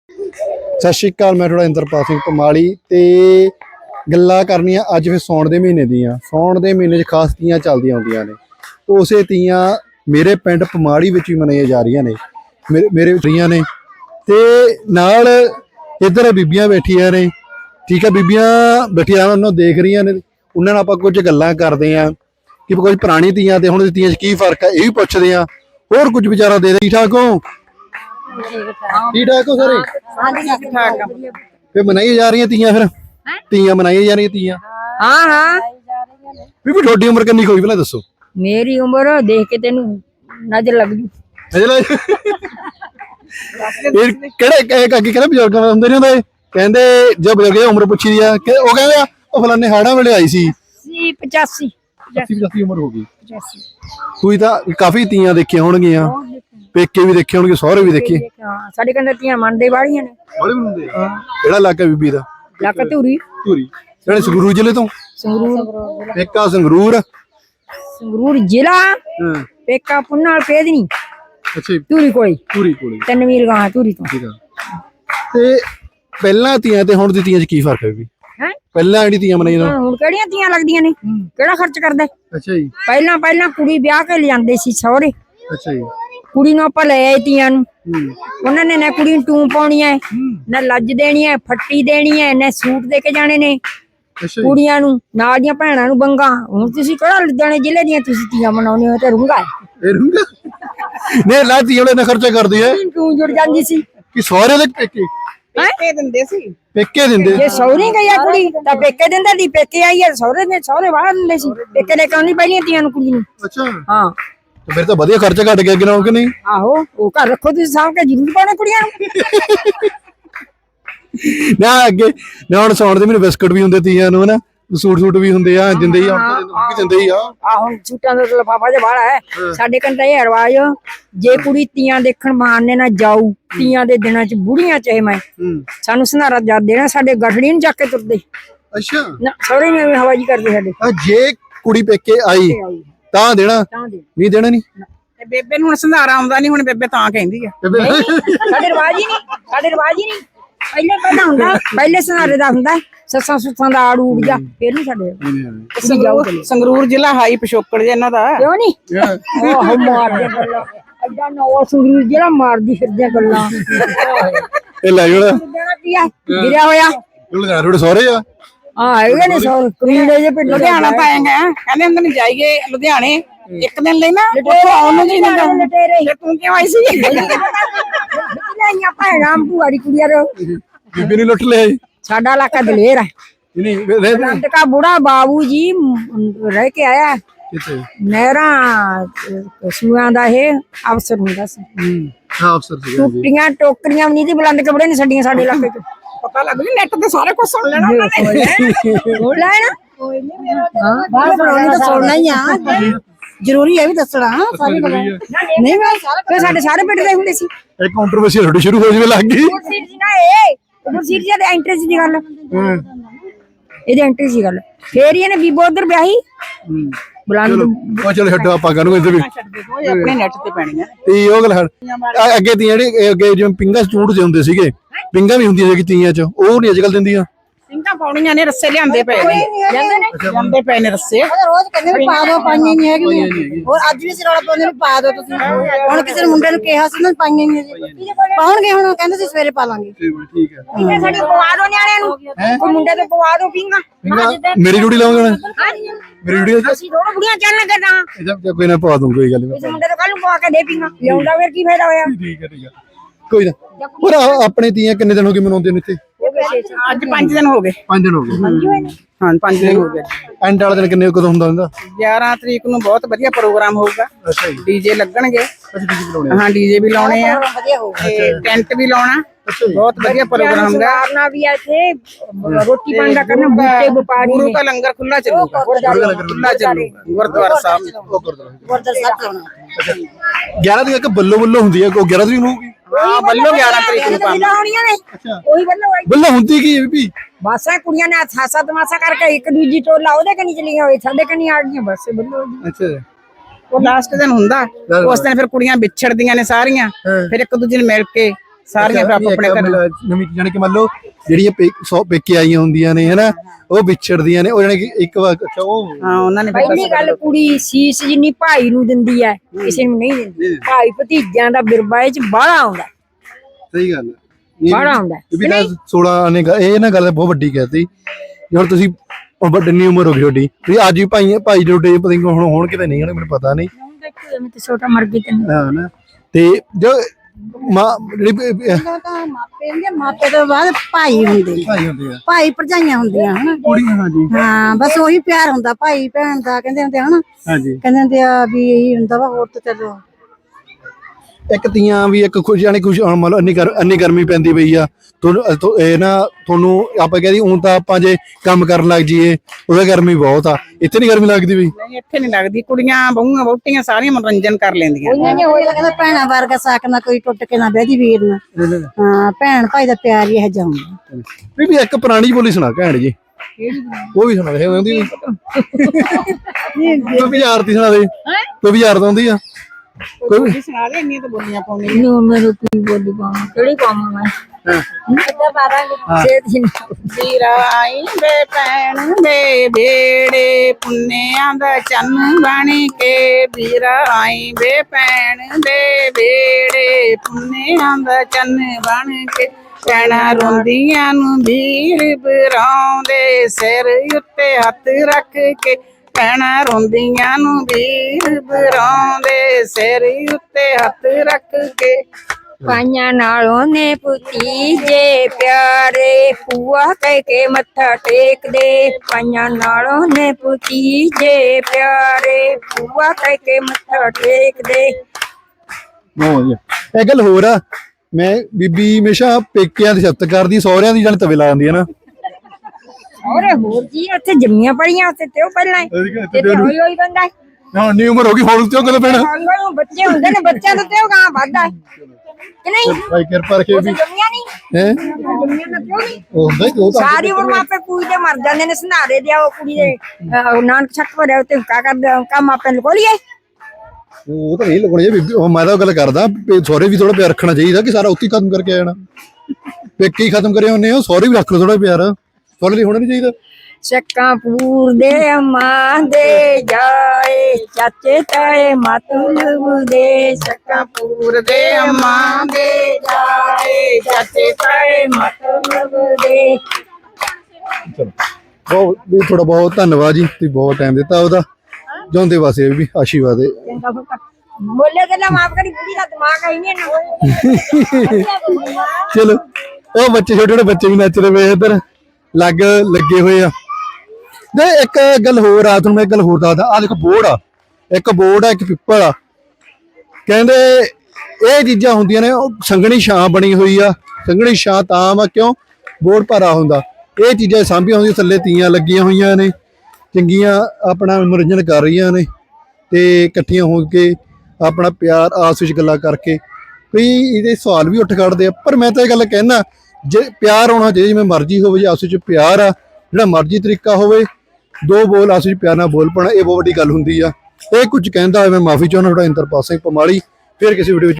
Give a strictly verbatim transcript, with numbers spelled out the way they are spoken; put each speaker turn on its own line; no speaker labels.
सत श्री अकाल, मैं थोड़ा इंद्रपाल सिंह पमाली ते गल्लां करनियां अज फिर सौण दे महीने दियां। सौण दे महीने खास तीयां चलदियां होंदियां ने। उस तीयां मेरे पिंड पमाड़ी विच भी मनाईयां जा रही ने। मेरे मेरे रहीआं ने ते नाल इधर बीबियां बैठियां ने। ठीक है, बीबियां बैठियां उन्होंने देख रही ने। उन्होंने आपां कुछ गल्लां करदे आ कि कुछ पुरानी तीयां ते हुण दी तीयां च की फर्क है, यह भी पुछदे आ। होर कुछ विचारा दे ठीक ठाक हो? ठीक ठाक हो सारे? फिर मनाई जा रही तीयां, फिर तीयां मनाई जा रही तीयां।
हाँ हाँ
बीबी थोड़ी उम्र कितनी होई पहले दसो?
मेरी उम्र देख के तेन नजर लग जू।
नजर केड़े काकी कहंदे बजुर्ग हुंदे नहीं हुंदे, कहंदे जो बजुर्ग उम्र पुछी दी आ कि ओ कहंदे ओ फलाने हाड़ा वेले आई सी
पचासी
पचासी उम्र हो गई। तू तां काफी तीयां देखियां होणगियां, पेके भी देखे होणगे, सहुरे भी देखे।
साडे कंडे तीयां मनदे वालियां ने।
बड़े मनदे हां। केड़ा इलाका बीबी दा?
इलाका धूरी।
धूरी जेड़े संगरूर जिले तो?
संगरूर।
पेका संगरूर।
संगरूर जिला। हां। पेका पुन्नाल पेदनी।
अच्छा
धूरी कोई।
धूरी कोई।
तीन मील गां धूरी तो।
ठीक है। ते पहला तीयां ते हुण दी तीयां च की फर्क है भी? हैं? पहला जेड़ी तीयां मनाई ना
हुण केड़ियां तीयां लगदियां ने? केड़ा खर्च करदा?
अच्छा जी।
पहला पहला कुड़ी ब्याह के लियांदे सी सहुरे।
अच्छा जी।
कुड़ी ਨੂੰ ਆਪਾਂ ਲੈ ਆਏ ਤੀਆਂ ਨੂੰ। ਉਹਨਾਂ ਨੇ ਨਾ ਕੁੜੀ ਨੂੰ ਟੂੰ ਪਾਉਣੀ ਹੈ, ਨਾ ਲੱਜ ਦੇਣੀ ਹੈ, ਫੱਟੀ ਦੇਣੀ ਹੈ, ਨਾ ਸੂਟ ਦੇ ਕੇ ਜਾਣੇ ਨੇ ਕੁੜੀਆਂ ਨੂੰ, ਨਾਲ ਦੀਆਂ ਭੈਣਾਂ ਨੂੰ ਬੰਗਾ। ਹੁਣ ਤੁਸੀਂ ਕਿਹੜਾ ਲੁਧਿਆਣੇ ਜ਼ਿਲ੍ਹੇ ਦੀਆਂ ਤੁਸੀਂ ਤੀਆਂ ਮਨਾਉਣੇ ਹੋ ਤੇ ਰੁੰਗਾ
ਇਹ ਰੁੰਗਾ ਨੇ ਲਾ ਤੀਆਂ ਵਾਲੇ ਨੇ ਖਰਚਾ ਕਰਦੀ ਹੈ।
ਟੂੰ ਜੁੜ ਜਾਂਦੀ ਸੀ
ਕਿ ਸਹੁਰੇ ਦੇ ਪੇਕੇ
ਪੇਕੇ ਦਿੰਦੇ ਸੀ।
ਪੇਕੇ ਦਿੰਦੇ
ਜੇ ਸਹੁਰੇ ਗਈ ਆ ਕੁੜੀ ਤਾਂ ਪੇਕੇ ਦਿੰਦਾ ਦੀ। ਪੇਕੇ ਆਈ ਹੈ ਸਹੁਰੇ ਨੇ ਸਹੁਰੇ ਵਾਲਾ ਦਿੰਦੇ ਸੀ। ਪੇਕੇ ਲੈ ਕੇ ਆਉਣੀ ਪਹਿਲੀਆਂ ਤੀਆਂ ਨੂੰ ਕੁੜੀ ਨੂੰ। ਅੱਛਾ ਹਾਂ।
फिर तो बढ़िया खर्चा घट गया गिनाओ कि नहीं?
आहो वो घर रखो तुसीं साहब के जरूर पाने कुड़ियां
ना अगे ना हुण सौण दे महीने बिस्कुट भी हुंदे तीयां नूं, है ना, सूट सूट भी हुंदे आ, दिंदे ही आ, भी दिंदे ही आ। आ
हुण सूटां दा लिफाफा जे बाहला है साडे कंड ये रिवाज। जे कुड़ी तीयां देखण मारने ना जाऊ तीयां दे दिनां च बुढ़ियां चाहे मैं सानू संधारा जा देना साडे गठड़ी नूं जाके तुरदे। अच्छा ना सौरे ने हवाजी करदे साडे।
जे कुड़ी पेके आई ਤਾਂ ਦੇਣਾ ਨਹੀਂ ਦੇਣਾ ਨਹੀਂ
ਤੇ ਬੇਬੇ ਨੂੰ ਹੁਣ ਸੰਧਾਰਾ ਆਉਂਦਾ ਨਹੀਂ। ਹੁਣ ਬੇਬੇ ਤਾਂ ਕਹਿੰਦੀ ਆ
ਸਾਡੇ ਰਿਵਾਜ ਹੀ ਨਹੀਂ। ਸਾਡੇ ਰਿਵਾਜ ਹੀ ਨਹੀਂ। ਪਹਿਲੇ ਪਹਿਲਾਂ ਹੁੰਦਾ ਪਹਿਲੇ ਸੰਧਾਰੇ ਦਾ ਹੁੰਦਾ ਸੱਸਾਂ ਸੁੱਸਾਂ ਦਾ ਆੜੂ ਉੜ ਜਾ ਫਿਰ ਨਹੀਂ ਸਾਡੇ।
ਸੰਗਰੂਰ ਜ਼ਿਲ੍ਹਾ ਹਾਈ ਪਿਛੋਕੜ ਜੇ ਇਹਨਾਂ ਦਾ
ਕਿਉਂ ਨਹੀਂ? ਉਹ ਮਾਰਦੇ ਗੱਲਾਂ ਐਡਾ ਨਵਾਂ ਸੰਗਰੂਰ ਜਿਹੜਾ ਮਾਰਦੀ ਫਿਰਦੇ ਗੱਲਾਂ।
ਇਹ ਲੈ ਜੋੜਾ
ਕੀ ਆ ਗਿਰਿਆ ਹੋਇਆ
ਲੁਧਿਆਣੇ ਥੋੜੇ ਸਹੁਰੇ ਆ।
ਹਾਂ ਹੈਗੇ ਨੇ ਸੌ ਕਰੀੜੇ ਜੇ ਪਿੰਡ
ਲੁਧਿਆਣਾ ਪਾਏਗਾ। ਕਹਿੰਦੇ ਹੁੰਦੇ ਨੇ ਜਾਈਏ ਲੁਧਿਆਣੇ ਇੱਕ ਦਿਨ ਲਈ ਨਾ ਉੱਥੋਂ ਆਉਣ ਨੂੰ ਜੀ ਦਿੰਦਾ। ਤੇ ਤੂੰ ਕਿਉਂ ਆਈ ਸੀ?
ਲੈਣੀਆਂ ਭੈਣਾਂ ਭੂਆ ਦੀ ਕੁੜੀਆਂ ਰੋ
ਬੀਬੀ ਨੇ ਲੁੱਟ ਲਿਆ।
ਸਾਡਾ ਇਲਾਕਾ ਦਲੇਰ ਹੈ। ਨੰਦ ਕਾ ਬੁੜਾ ਬਾਬੂ ਜੀ ਰਹਿ ਕੇ ਆਇਆ ਨਹਿਰਾਂ ਸੂਆਂ ਦਾ ਇਹ ਅਫਸਰ ਹੁੰਦਾ ਸੀ।
ਹਾਂ ਅਫਸਰ ਸੀ।
ਟੁੱਟੀਆਂ ਟੋਕਰੀਆਂ ਵੀ ਨਹੀਂ ਸੀ ਬੁਲੰਦ ਕੇ ਬੜੇ ਨੇ ਸਾਡੀਆਂ ਸਾਡੇ ਇਲਾਕੇ ਚ।
ਪਤਾ ਲੱਗ ਗਈ ਨੈਟ ਤੇ ਸਾਰੇ ਕੁਝ ਸੁਣ ਲੈਣਾ ਉਹਨਾਂ ਨੇ।
ਸੁਣ ਲੈਣਾ
ਬਾਹਰ ਬਣਾਉਣੀ ਤਾਂ ਸੁਣਨਾ ਹੀ ਆ। ਜ਼ਰੂਰੀ ਹੈ ਵੀ ਦੱਸਣਾ ਸਾਰੀ ਗੱਲਾਂ ਨਹੀਂ। ਮੈਂ
ਤੇ ਸਾਡੇ ਸਾਰੇ ਪਿੰਡ ਦੇ ਹੁੰਦੇ ਸੀ।
ਇਹ ਕੰਟਰੋਵਰਸੀ ਥੋੜੀ ਸ਼ੁਰੂ ਹੋ ਜਵੇ ਲੱਗ ਗਈ।
ਗੁਰਸੀਰ ਜੀ ਨਾ ਇਹ ਗੁਰਸੀਰ ਜੀ ਦੇ ਐਂਟਰੀ ਦੀ ਗੱਲ ਇਹਦੇ ਐਂਟਰੀ ਸੀ ਗੱਲ। ਫੇਰ ਇਹਨੇ ਬੀਬੋ ਉਧਰ ਵਿਆਹੀ ਬੁਲੰਦ।
ਉਹ ਚਲੋ ਛੱਡੋ ਆਪਾਂ ਕਾਹਨੂੰ ਇੱਧਰ ਵੀ
ਆਪਣੇ ਨੈਟ ਤੇ ਪੈਣੀਆਂ
ਤੇ ਉਹ ਗੱਲ ਅੱਗੇ ਤੀ ਜਿਹੜੇ ਅੱਗੇ ਜਿਵੇਂ ਪਿੰਗਾ ਸਟੂਡ ਦੇ ਹੁੰਦੇ ਸੀਗੇ ਪਿੰਗਾ ਵੀ ਹੁੰਦੀਆਂ ਸੀ ਤੀਆਂ ਚ, ਉਹ ਨਹੀਂ ਅੱਜ ਕੱਲ ਦਿੰਦੀਆਂ।
ਸਿੰਘਾਂ ਪਾਉਣੀਆਂ ਨੇ ਰੱਸੇ ਲਿਆਂਦੇ ਪਏ ਨੇ ਜਾਂਦੇ ਪਏ ਨੇ ਰੱਸੇ।
ਰੋਜ਼ ਕਹਿੰਦੇ ਨੇ ਪਾ ਦੋ ਪਾਈਆਂ ਨਹੀਂ ਹੈਗੀਆਂ। ਹੋਰ ਅੱਜ ਵੀ ਸਿਰੋੜਾ ਪਾਉਂਦੇ ਨੇ ਪਾ ਦੋ ਤੁਸੀਂ। ਹੁਣ ਕਿਸੇ ਨੂੰ ਮੁੰਡੇ ਨੂੰ ਕਿਹਾ ਸੀ ਨਾ ਪਾਈਆਂ ਨਹੀਂ ਜੀ ਪਾਉਣਗੇ। ਹੁਣ ਕਹਿੰਦੇ ਸੀ ਸਵੇਰੇ ਪਾ ਲਾਂਗੇ।
ਠੀਕ ਹੈ
ਪਿੰਗਾ ਸਾਡੇ ਪਵਾ ਦੋ ਨਿਆਣਿਆਂ ਨੂੰ ਕੋਈ ਮੁੰਡੇ ਤੋਂ ਪਵਾ ਦੋ ਪਿੰਗਾ।
ਮੇਰੀ ਡਿਊਟੀ ਲਾਉਂਗੇ ਹੁਣ? ਮੇਰੀ ਡਿਊਟੀ
ਅਸੀਂ ਥੋੜਾ ਬੁੜੀਆਂ ਚੱਲਣ ਕਰਦਾ
ਇਹਦਾ ਕੋਈ ਨਾ ਪਵਾ ਦੂੰ ਕੋਈ ਗੱਲ ਨਹੀਂ।
ਇਸ ਮੁੰਡੇ ਤੋਂ ਕੱਲ ਨੂੰ ਪਵਾ ਕੇ ਦੇ ਪਿੰਗਾ ਲਿਆਉਂਦਾ ਫਿਰ ਕੀ ਫਾਇਦਾ ਹੋਇਆ?
ਠੀਕ ਹੈ ਠੀਕ ਹੈ ਕੋਈ ਨਾ। ਹੋਰ ਆਪਣੇ ਤੀਆਂ ਕਿੰਨੇ ਦਿਨ ਹੋ ਗਏ ਮਨਾਉਂਦੇ ਨੇ ਇੱਥੇ?
ਅੱਜ ਪੰਜ ਦਿਨ ਹੋ ਗਏ।
ਪੰਜ ਦਿਨ ਹੋ ਗਏ
ਹਾਂ ਪੰਜ ਦਿਨ ਹੋ ਗਏ।
ਐਂਡ ਵਾਲਾ ਦਿਨ ਕਿੰਨੇ ਕਦੋਂ ਹੁੰਦਾ ਹੁੰਦਾ?
ਗਿਆਰਾਂ ਤਰੀਕ ਨੂੰ ਬਹੁਤ ਵਧੀਆ ਪ੍ਰੋਗਰਾਮ ਹੋਊਗਾ।
ਅੱਛਾ ਜੀ।
ਡੀਜੇ ਲੱਗਣਗੇ।
ਅੱਛਾ ਡੀਜੇ ਵੀ ਲਾਉਣੇ?
ਹਾਂ ਡੀਜੇ ਵੀ ਲਾਉਣੇ ਆ ਤੇ ਟੈਂਟ ਵੀ ਲਾਉਣਾ। ਬਹੁਤ ਵਧੀਆ ਪ੍ਰੋਗਰਾਮ ਹੋਗਾ।
ਨਾ ਵੀ ਇੱਥੇ ਰੋਟੀ ਪਾਣੀ ਦਾ ਕਰਨਾ ਬੂਟੇ ਵਪਾਰੀ
ਗੁਰੂ ਦਾ ਲੰਗਰ ਖੁੱਲਾ ਚੱਲੂਗਾ। ਖੁੱਲਾ ਚੱਲੂਗਾ ਗੁਰਦੁਆਰਾ ਸਾਹਿਬ।
ਗੁਰਦਰ ਸਾਹਿਬ ਲਾਉਣਾ।
ਗਿਆਰਾਂ ਤਰੀਕ ਬੱਲੋ ਬੱਲੋ ਹੁੰਦੀ ਹੈ। ਕੋਈ ਗਿਆਰਾਂ ਤਰੀਕ ਨੂੰ ਹੋਊਗੀ?
ਹਾਂ ਬੱਲੋ ਗਿਆਰਾਂ ਤਰੀਕ ਨੂੰ ਪਾਵਾਂਗੇ।
ਹੋਣੀਆਂ ਨੇ ਉਹੀ ਬੱਲੋ
ਬੱਲੋ ਹੁੰਦੀ ਕੀ ਹੈ ਬੀਬੀ?
ਬਸ ਇਹ ਕੁੜੀਆਂ ਨੇ ਹਾਸਾ ਤਮਾਸ਼ਾ ਕਰਕੇ ਇੱਕ ਦੂਜੀ ਟੋਲਾ ਉਹਦੇ ਕਨੀ ਚਲੀਆਂ ਹੋਏ ਸਾਡੇ ਕਨੀ ਆ ਗਈਆਂ ਬਸ ਬੱਲੋ।
ਅੱਛਾ
ਉਹ ਲਾਸਟ ਦਿਨ ਹੁੰਦਾ। ਉਸ ਦਿਨ ਫਿਰ ਕੁੜੀਆਂ ਵਿਛੜਦੀਆਂ ਨੇ ਸਾਰੀਆਂ। ਫਿਰ ਇੱਕ ਦੂਜੇ ਨੂੰ ਮਿਲ ਕੇ ਸਾਰੀਆਂ ਫਿਰ ਆਪੋ ਆਪਣੇ ਘਰ
ਨਵੀਂ ਜਾਣੀ ਕਿ ਮੰਨ ਲਓ ਜਿਹੜੀਆਂ ਪੇ- ਸੌ ਪੇਕੇ ਆਈਆਂ ਹੁੰਦੀਆਂ ਨੇ ਹਨਾ ਉਹ ਵਿਛੜਦੀਆਂ ਨੇ ਉਹ ਜਾਣੀ ਕਿ ਇੱਕ ਵਾਰ ਅੱਛਾ ਉਹ
ਹਾਂ ਉਹਨਾਂ ਨੇ ਫਿਰ
ਪਹਿਲੀ ਗੱਲ ਕੁੜੀ ਸੀਸ ਜਿੰਨੀ ਭਾਈ ਨੂੰ ਦਿੰਦੀ ਹੈ ਕਿਸੇ ਨੂੰ ਨਹੀਂ ਦਿੰਦੀ ਭਾਈ ਭਤੀਜਿਆਂ ਦਾ ਬਿਰਬਾ ਇਹ ਚ ਬਾਹਲਾ ਆਉਂਦਾ
ਸਹੀ ਗੱਲ ਹੈ
ਬਾਹਲਾ ਆਉਂਦਾ
ਇਹ ਵੀ ਤਾਂ ਸੋਲਾਂ ਨੇ ਗੱਲ- ਇਹ ਨਾ ਗੱਲ ਬਹੁਤ ਵੱਡੀ ਕਹਿਤੀ ਜੇ ਹੁਣ ਤੁਸੀਂ ਹੁਣ ਵੱਡੀ ਉਮਰ ਹੋ ਗਈ ਤੁਹਾਡੀ ਤੁਸੀਂ ਅੱਜ ਵੀ ਭਾਈ ਭਾਈ ਜੋੜੇ ਪਤਾ ਨਹੀਂ ਹੁਣ ਹੋਣ ਕਿਤੇ ਨਹੀਂ ਹੋਣੇ ਮੈਨੂੰ ਪਤਾ ਨਹੀਂ
ਦੇਖੋ ਐਵੇਂ ਤੇ ਛੋਟਾ ਮਰ ਗਿਆ ਤੈਨੂੰ
ਹਾਂ ਨਾ ਤੇ ਜੋ ਮਾਂ ਜਿਹੜੀ ਬ- ਬ-
ਪਹਿਲਾਂ ਤਾਂ ਮਾਪੇ ਹੁੰਦੇ ਮਾਪੇ ਤੋਂ ਬਾਅਦ ਭਾਈ ਹੁੰਦੇ ਨੇ
ਭਾਈ ਹੁੰਦੇ ਆ
ਭਾਈ ਭਰਜਾਈਆਂ ਹੁੰਦੀਆਂ ਹਨਾ
ਕੁੜੀਆਂ ਹਾਂਜੀ
ਹਾਂ ਬਸ ਉਹੀ ਪਿਆਰ ਹੁੰਦਾ ਭਾਈ ਭੈਣ ਦਾ ਕਹਿੰਦੇ ਹੁੰਦੇ ਹਨਾ
ਹਾਂਜੀ
ਕਹਿੰਦੇ ਹੁੰਦੇ ਆ ਵੀ ਇਹੀ ਹੁੰਦਾ ਵਾ ਹੋਰ ਤਾਂ ਚਲੋ
ਇੱਕ ਤੀਆਂ ਵੀ ਇੱਕ ਖੁਸ਼ ਜਾਨੀ ਖੁਸ਼ ਹੁਣ ਮੰਨ ਲਓ ਇੰਨੀ ਗਰ ਇੰਨੀ ਗਰਮੀ ਪੈਂਦੀ ਪਈ ਆ ਤੁਹਾਨੂੰ ਅ, ਤੁ- ਇਹ ਨਾ ਤੁਹਾਨੂੰ ਆਪਾਂ ਕਹਿੰਦੀ ਹੁਣ ਤਾਂ ਆਪਾਂ ਜੇ ਕੰਮ ਕਰਨ ਲੱਗ ਜਾਈਏ ਉਹਦਾ ਗਰਮੀ ਬਹੁਤ ਆ ਇੱਥੇ ਨਹੀਂ ਗਰਮੀ ਲੱਗਦੀ ਬਈ
ਨਹੀਂ ਇੱਥੇ ਨਹੀਂ ਲੱਗਦੀ ਕੁੜੀਆਂ ਬਹੂਆਂ ਵਹੁਟੀਆਂ ਸਾਰੀਆਂ ਮਨੋਰੰਜਨ ਕਰ ਲੈਂਦੀਆਂ
ਉਹ ਕਹਿੰਦਾ ਭੈਣਾਂ ਵਰਗਾ ਸਾਕ ਨਾ ਕੋਈ ਟੁੱਟ ਕੇ ਨਾ ਬਹਿਦੀ ਵੀਰ ਨੂੰ ਹਾਂ ਭੈਣ ਭਾਈ ਦਾ ਪਿਆਰ ਹੀ ਇਹ ਜਾਂਦਾ
ਵੀ ਵੀ ਇੱਕ ਪੁਰਾਣੀ ਬੋਲੀ ਸੁਣਾ ਘੈਂਟ ਜੀ ਉਹ ਵੀ ਸੁਣਾ ਦੇ ਉਹਦੀ ਕੋਈ ਵੀ ਯਾਰ ਦੀ ਸੁਣਾ ਦੇ ਕੋਈ ਵੀ ਯਾਰ ਤਾਂ ਹੁੰਦੀ ਆ ਕੋਈ ਵੀ
ਸੁਣਾ ਦੇ ਇੰਨੀਆਂ ਤਾਂ ਬੋਲੀਆਂ ਪਾਉਂਦੀਆਂ
ਨੂੰ ਮੇਰੇ ਕੀ ਬੋਲੀ ਪਾਵਾਂ ਕਿਹੜੀ ਪਾਵਾਂ ਮੈਂ ਕਿੱਦਾਂ ਪਾਵਾਂਗੇ ਸੇਤ ਜੀ
ਵੀਰਾ ਆਈ ਵੇ ਭੈਣ ਦੇ ਬੇੜੇ ਪੁੰਨਿਆਂ ਦਾ ਚੰਨ ਬਣ ਕੇ ਵੀਰਾ ਆਈ ਵੇ ਭੈਣ ਦੇ ਬੇੜੇ ਪੁੰਨਿਆਂ ਦਾ ਚੰਨ ਬਣ ਕੇ ਭੈਣਾਂ ਰੋਂਦੀਆਂ ਨੂੰ ਵੀਰ ਬਰਾਉਂਦੇ ਸਿਰ ਉੱਤੇ ਹੱਥ ਰੱਖ ਕੇ ਭੈਣਾਂ ਰੋਂਦੀਆਂ ਨੂੰ ਵੀਰ ਬਰਾਉਂਦੇ ਸਿਰ ਉੱਤੇ ਹੱਥ ਰੱਖ ਕੇ
ਪਾਈਆਂ ਨਾਲੋਂ ਨੇ ਭਤੀਜੇ ਪਿਆਰੇ ਭੂਆ ਕਹਿ ਕੇ ਮੱਥਾ ਟੇਕਦੇ ਪਾਈਆਂ ਨਾਲੋਂ ਨੇ ਭਤੀਜੇ ਪਿਆਰੇ ਭੂਆ ਕਹਿ ਕੇ ਮੱਥਾ ਟੇਕਦੇ
ਬਹੁਤ ਵਧੀਆ ਇਹ ਗੱਲ ਹੋਰ ਆ ਮੈਂ ਬੀਬੀ ਹਮੇਸ਼ਾ ਪੇਕਿਆਂ ਦੀ ਸ਼ਬਦ ਕਰਦੀ ਸਹੁਰਿਆਂ ਦੀ ਜਾਨ ਤਵੇ ਲਾ ਜਾਂਦੀ ਹੈ ਨਾ
ਔਰੇ ਹੋਰ ਜੀ ਉੱਥੇ ਜੰਮੀਆਂ ਪੜੀਆਂ ਉੱਥੇ ਤੇ ਉਹ ਪਹਿਲਾਂ ਹੀ ਤੇ ਹੋਈ ਹੋਈ ਬੰਦਾ
ਹੁਣ ਨੀ ਉਮਰ ਹੋ ਗਈ ਹੁਣ ਕਿਉਂ ਗੱਲ ਪੈਣਾ
ਨੂੰ ਬੱਚੇ ਹੁੰਦੇ ਨੇ ਬੱਚਿਆਂ ਤੋਂ ਤੇ ਉਹ ਗਾਂ ਵੱਧਦਾ ਹੈ ਕਿ ਨਹੀਂ
ਭਾਈ ਕਿਰਪਾ ਰੱਖੇ
ਉਹ
ਵੀ
ਜੰਮੀਆਂ ਨਹੀਂ
ਹੈ
ਜੰਮੀਆਂ ਨਾ ਕਿਉਂ ਨਹੀਂ
ਉਹ ਹੁੰਦਾ ਹੀ ਉਹ ਤਾਂ
ਸਾਰੀ ਉਮਰ ਮਾਪੇ ਪੂਜਦੇ ਮਰ ਜਾਂਦੇ ਨੇ ਸੰਧਾਰੇ ਦਿਆ ਉਹ ਕੁੜੀ ਦੇ ਅਹ, ਨਾਨਕ ਛੱਕ ਭਰਿਆ ਉੱਤੇ ਕਾ ਕਰ ਕੰਮ ਆਪੇ ਲਕੋ ਲਈਏ
ਉਹ ਤਾਂ ਨਹੀਂ ਲੱਗਣੀ ਬੀਬੀ ਉਹ ਮੈਂ ਤਾਂ ਗੱਲ ਕਰਦਾ ਵੀ ਸਹੁਰੇ ਵੀ ਥੋੜਾ ਪਿਆਰ ਰੱਖਣਾ ਚਾਹੀਦਾ ਕਿ ਸਾਰਾ ਉੱਤੀ ਖਤਮ ਕਰਕੇ ਆ ਜਾਣਾ ਪੇਕੇ ਹੀ ਖਤਮ ਕਰੇ ਹੁੰਨੇ ਉਹ ਸਹੁਰੇ ਵੀ ਰੱਖ ਲਓ ਥੋੜਾ ਪਿਆਰ ਸਹੁਰੇ ਲਈ ਹੋਣਾ ਨਹੀਂ ਚਾਹੀਦਾ
ਚੱਕਾਂ ਪੂਰ ਦੇ ਮਾਂ ਦੇ ਜਾਏ ਚਾਚੇ ਤਾਏ ਮਤਲਬ ਦੇ ਚੱਕਾਂ
ਪੂਰ ਦੇ ਮਾਂ ਦੇ ਜਾਏ
ਚਾਚੇ ਤਾਏ ਮਤਲਬ ਦੇ
ਚਲੋ ਬਹੁਤ ਵੀ ਥੋੜਾ ਬਹੁਤ ਧੰਨਵਾਦ ਜੀ ਤੁਸੀਂ ਬਹੁਤ ਟਾਈਮ ਦਿੱਤਾ ਉਹਦਾ ਜਾਂਦੇ ਵਾਸਤੇ ਵੀ ਆਸ਼ੀਰਵਾਦ ਦੇ
ਚੰਗਾ ਫੁੱਕਾ ਬੋਲੇ ਤੇ ਨਾ ਮਾਫ ਕਰੀ ਬੁੱਢੀ ਦਾ ਦਿਮਾਗ ਆਈ ਨਹੀਂ ਨਾ
ਚਲੋ ਉਹ ਬੱਚੇ ਛੋਟੇ ਛੋਟੇ ਬੱਚੇ ਵੀ ਨੱਚ ਰਹੇ ਵੇ ਇੱਧਰ ਲੱਗ ਲੱਗੇ ਹੋਏ ਆ ਤੇ ਇੱਕ ਗੱਲ ਹੋਰ ਆ ਤੁਹਾਨੂੰ ਮੈਂ ਇੱਕ ਗੱਲ ਹੋਰ ਦੱਸਦਾ ਆ ਦੇਖੋ ਬੋਰਡ ਆ ਇੱਕ ਬੋਰਡ ਆ ਇੱਕ ਪਿੱਪਲ ਆ ਕਹਿੰਦੇ ਇਹ ਚੀਜ਼ਾਂ ਹੁੰਦੀਆਂ ਨੇ ਉਹ ਸੰਘਣੀ ਛਾਂ ਬਣੀ ਹੋਈ ਆ ਸੰਘਣੀ ਛਾਂ ਤਾਂ ਵਾ ਕਿਉਂ ਬੋਰਡ ਭਰਾ ਹੁੰਦਾ ਇਹ ਚੀਜ਼ਾਂ ਸਾਂਭੀਆਂ ਹੁੰਦੀਆਂ ਥੱਲੇ ਤੀਆਂ ਲੱਗੀਆਂ ਹੋਈਆਂ ਨੇ ਚੰਗੀਆਂ ਆਪਣਾ ਮਨੋਰੰਜਨ ਕਰ ਰਹੀਆਂ ਨੇ ਤੇ ਇਕੱਠੀਆਂ ਹੋ ਕੇ ਆਪਣਾ ਪਿਆਰ ਆਪਸ ਵਿੱਚ ਗੱਲਾਂ ਕਰਕੇ ਵੀ ਇਹਦੇ ਸਵਾਲ ਵੀ ਉੱਠ ਖੜਦੇ ਆ ਪਰ ਮੈਂ ਤਾਂ ਇਹ ਗੱਲ ਕਹਿਣਾ ਜੇ ਪਿਆਰ ਹੋਣਾ ਚਾਹੀਦਾ ਜਿਵੇਂ ਮਰਜ਼ੀ ਹੋਵੇ ਜੇ ਆਪਸ ਵਿੱਚ ਪਿਆਰ ਆ ਜਿਹੜਾ ਮਰਜ਼ੀ ਤਰੀਕਾ ਹੋਵੇ ਦੋ ਬੋਲ ਆਪਸ ਵਿੱਚ ਪਿਆਰ ਨਾਲ ਬੋਲ ਪਾਉਣਾ ਇਹ ਬਹੁਤ ਵੱਡੀ ਗੱਲ ਹੁੰਦੀ ਆ ਇਹ ਕੁਝ ਕਹਿੰਦਾ ਹੋਇਆ ਮੈਂ ਮਾਫੀ ਚਾਹੁੰਦਾ ਤੁਹਾਡਾ ਇੰਦਰ ਪਾਸੇ ਪਮਾਲੀ ਫਿਰ ਕਿਸੇ ਵੀਡੀਓ